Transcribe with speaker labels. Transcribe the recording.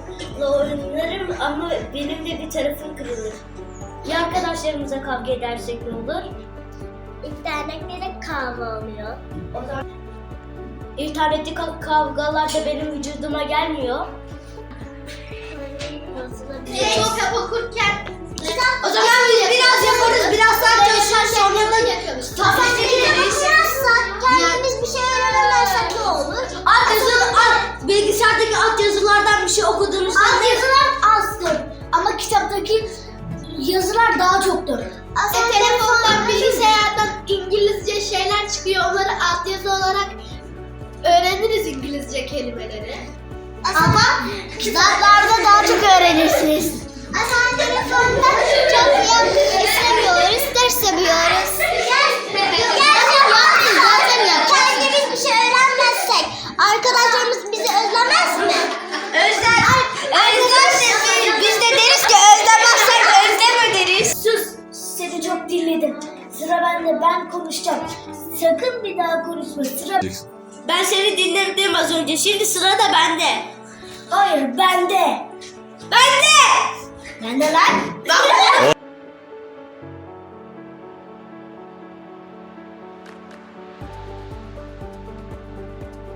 Speaker 1: oynarım ama benim de bir tarafım kırılır. Ya arkadaşlarımıza kavga edersek ne olur?
Speaker 2: İnternette kavga oluyor.
Speaker 1: O zaman İnternette kavgalar da benim vücuduma gelmiyor.
Speaker 2: Kitap okurken
Speaker 1: O zaman biraz yaparız, biraz daha çalışırız, sonra da yaparız.
Speaker 2: kendimiz bir şey öğrenemezsek ne olur?
Speaker 1: Bilgisayardaki alt yazılardan bir şey okuduğumuzda
Speaker 2: Yazılar azdır ama kitaptaki yazılar daha çoktur. Telefondan, bilgisayardan İngilizce şeyler çıkıyor. Onları altyazı olarak öğreniriz İngilizce kelimeleri. Ama kitaplarda daha çok öğrenirsiniz. Ama telefonda çok istemiyoruz, ders seviyoruz. Kendimiz bir şey öğrenmezsek arkadaşlarımız bizi özlemez mi?
Speaker 1: Özler. Biz de deriz ki özlemezsek özleme deriz.
Speaker 2: Sus, seni çok dinledim. Sıra bende, ben konuşacağım. Sakın bir daha konuşma. Sıra...
Speaker 1: Ben seni dinledim az önce. Şimdi sıra da bende.
Speaker 2: Hayır, bende.
Speaker 1: Bende.
Speaker 2: Bende lan.